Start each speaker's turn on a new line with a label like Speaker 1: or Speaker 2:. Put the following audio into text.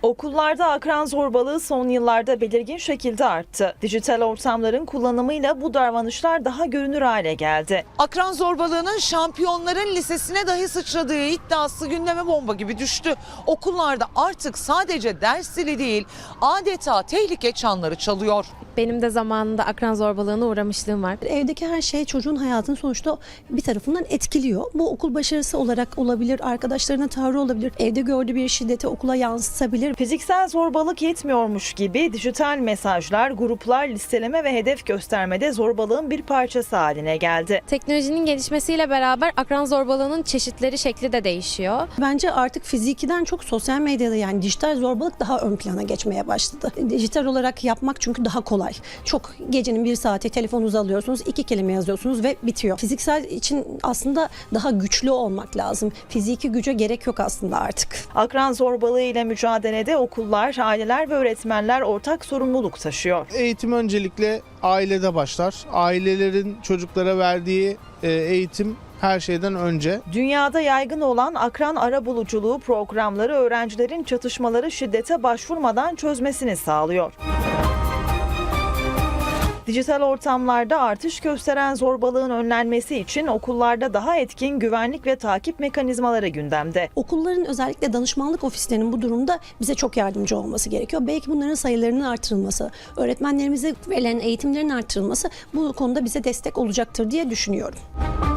Speaker 1: Okullarda akran zorbalığı son yıllarda belirgin şekilde arttı. Dijital ortamların kullanımıyla bu davranışlar daha görünür hale geldi.
Speaker 2: Akran zorbalığının şampiyonların lisesine dahi sıçradığı iddiası gündeme bomba gibi düştü. Okullarda artık sadece ders dili değil, adeta tehlike çanları çalıyor.
Speaker 3: Benim de zamanında akran zorbalığına uğramışlığım var.
Speaker 4: Evdeki her şey çocuğun hayatını sonuçta bir tarafından etkiliyor. Bu okul başarısı olarak olabilir, arkadaşlarına tavrı olabilir, evde gördüğü bir şiddeti okula yansıtabilir.
Speaker 1: Fiziksel zorbalık yetmiyormuş gibi dijital mesajlar, gruplar, listeleme ve hedef göstermede zorbalığın bir parçası haline geldi.
Speaker 3: Teknolojinin gelişmesiyle beraber akran zorbalığının çeşitleri, şekli de değişiyor.
Speaker 4: Bence artık fizikiden çok sosyal medyada yani dijital zorbalık daha ön plana geçmeye başladı. Dijital olarak yapmak çünkü daha kolay. Çok gecenin bir saati telefonunuzu alıyorsunuz, 2 kelime yazıyorsunuz ve bitiyor. Fiziksel için aslında daha güçlü olmak lazım. Fiziki güce gerek yok aslında artık.
Speaker 1: Akran zorbalığı ile mücadelede okullar, aileler ve öğretmenler ortak sorumluluk taşıyor.
Speaker 5: Eğitim öncelikle ailede başlar. Ailelerin çocuklara verdiği eğitim her şeyden önce.
Speaker 1: Dünyada yaygın olan akran arabuluculuğu programları öğrencilerin çatışmaları şiddete başvurmadan çözmesini sağlıyor. Dijital ortamlarda artış gösteren zorbalığın önlenmesi için okullarda daha etkin güvenlik ve takip mekanizmaları gündemde.
Speaker 4: Okulların özellikle danışmanlık ofislerinin bu durumda bize çok yardımcı olması gerekiyor. Belki bunların sayılarının artırılması, öğretmenlerimize verilen eğitimlerin artırılması bu konuda bize destek olacaktır diye düşünüyorum.